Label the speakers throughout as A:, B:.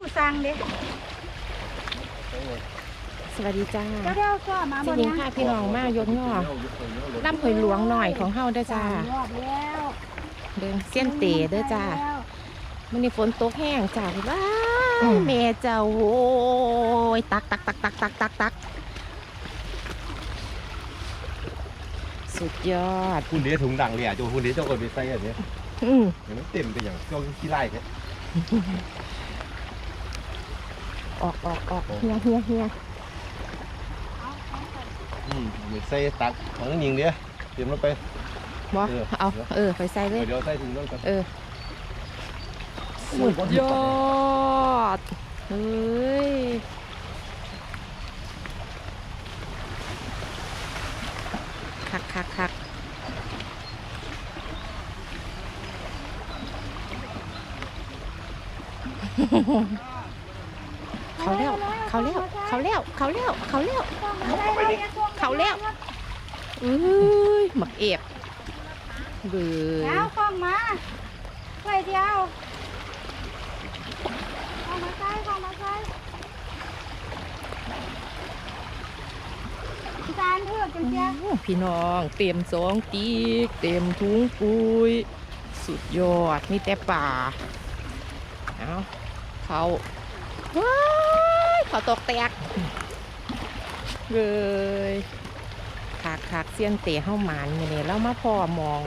A: สั่งเด้
B: สวัสดีจ้า
A: เดี๋ยวก็มา
B: สิยิงค่ะพี่น้องมายกย่อน้ำหอยหลวงหน่อยของเฮาเด้อจ้าเดินเส้นเตะเด้อจ้ามันนี่ฝนตกแห้งจ้าว้าแม่เจ้าโว้ยตักสุดยอด
C: คุณเดี๋ยวถุงดังเลยอ่ะจูคุณเดี๋ยวเจ้าเอิญไปใส่อันนี้อย่างนั้นเต็มไปอย่างเจ้าขี้ไล่เนี่ย
B: ออกเฮีย
C: ไปใส่ตักของยิงเดี๋ยวเตรียมลงไป
B: บ่เอาไปใส่เลย
C: เดี๋ยวใส่ถุงนั่นก่อน
B: สุดยอดเฮ้ยคักเขาแล้วหมักเอกเบื่อ
A: เอาคล้องมาไว้เดียวคล้องมาใส่จานเพื่อจังเจ้า
B: พี่น้องเต็ม2 กีกเต็มถุงปุยสุดยอดมีแต่ป่าเอาเขาตกแตกเลยคักเสี้ยนเตะเข้าหมานอย่างนี้แล้วมาพ่อมอง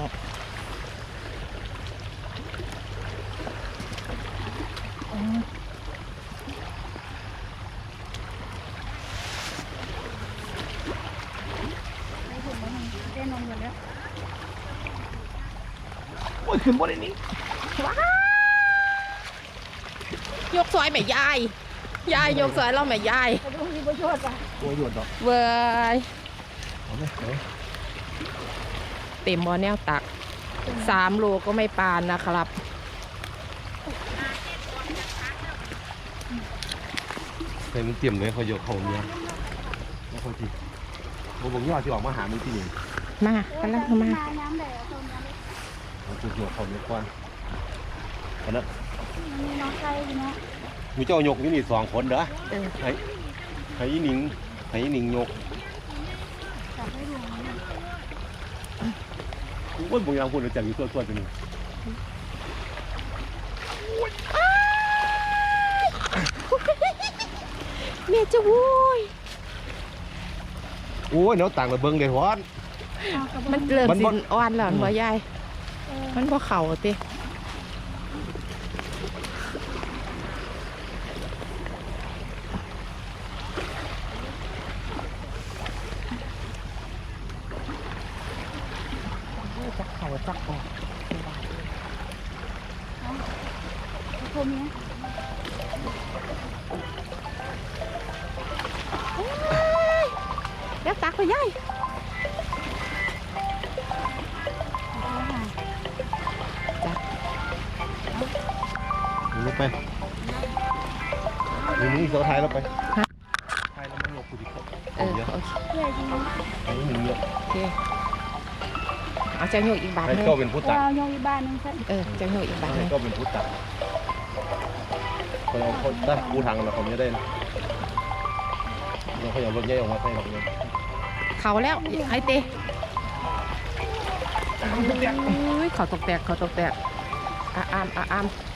C: โอ้ยขึ้นบนนี้
B: ว้ายกซอยแม่ยายยกซอยเราแม่ยาย
C: โอ้ยหยดดอก
B: เว้ยเต็มบ่อแนวตัก3 โลก็ไม่ปานนะครับ
C: ใส่มันเตรียมเลยเขาโยกเขาเนี่ยแล้วเขาทีผมยอดที่ออกมาหามันที่นี่
B: มากำลังมา
C: จุดโยกเขาเนี่ยก่อนคนนั้น
A: มีน้องไก่เนาะ
C: มีเจ้าโยกนี่2 คนเด้อให้หนิงโยกว่าบางอย่างพูดเราจะมีตัวจะมี
B: เมียจะโว้ย
C: โอ้ยเนาะต่างระเบิงเลยฮอน
B: มันเริ่มสิอ่อนแล้วบ่ยายมันบ่เข่าติจักเข่าจักออก
A: คมเนี้ย
B: แล้วตักไปย่ายจับ
C: ลงไปนี่โซ่ท้ายเราไปท้ายเราไม่ยกกูดิครับ
B: โอเค
C: ให้หนิงโยก
B: โอเคเอาเจ้าโยกอีกบาทนึง
C: ก็เป็นผู้ตัก
A: โยกอีกบาทนึง
B: เจ้าโยกอีกบาทนึง
C: ก็เป็นผู้ตักคนได้ผู้ทางเราเขาไม่ได้นะเราเขาอยากรถใหญ่ออกมาใส่หรอกเลย
B: เขาแล้วไอเต้เขาตกแตกอาม